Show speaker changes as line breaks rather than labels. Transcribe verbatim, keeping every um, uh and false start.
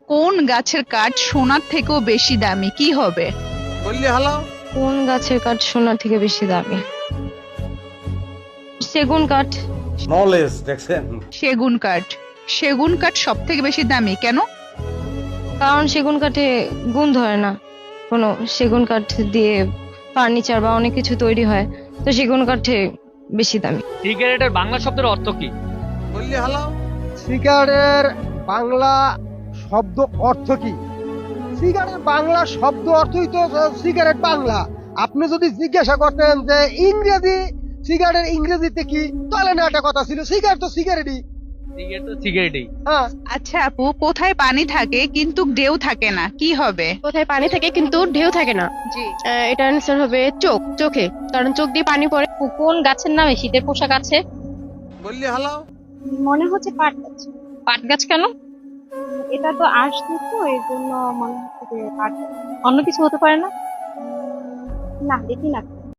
কোন গাছের কাঠ সোনার থেকেও বেশি দামি, কি হবে?
বললি হলো।
কোন গাছের কাঠ সোনার থেকে বেশি দামি? সেগুন কাঠ।
নলেজ দেখছেন।
সেগুন কাঠ। সেগুন কাঠ সব থেকে বেশি দামি কেন?
কারণ সেগুন কাঠে গুণ ধরে না কোনো। সেগুন কাঠ দিয়ে ফার্নিচার বা অনেক কিছু তৈরি হয়, তো সেগুন কাঠে বেশি দামি।
সিগারেটের বাংলা শব্দের অর্থ কি?
বললি হলো।
সিগারেটের বাংলা শব্দ অর্থ কি? সিগারেট বাংলা শব্দ অর্থই তো সিগারেট বাংলা। আপনি যদি জিজ্ঞাসা করতেন যে ইংরেজি সিগারেটের ইংরেজিতে কি, তাহলে না একটা কথা ছিল, সিগারেট তো সিগারেটই।
সিগারেট তো সিগারেটই।
হ্যাঁ,
আচ্ছা আপু, কোথায় পানি থাকে কিন্তু ঢেউ থাকে না, কি হবে?
কোথায় পানি থাকে কিন্তু ঢেউ থাকে না?
জি।
আহ, এটার অ্যান্সার হবে চোখ। চোখে, কারণ চোখ দিয়ে পানি পড়ে।
কোন গাছের নামে শীতের পোশাক আছে?
বললি হলো।
মনে হচ্ছে পাট গাছ।
পাট গাছ কেন?
এটা তো আসছে তো এই জন্য মনে হচ্ছে যে পাট গাছ।
অন্য কিছু হতে পারে না?
না, দেখি না।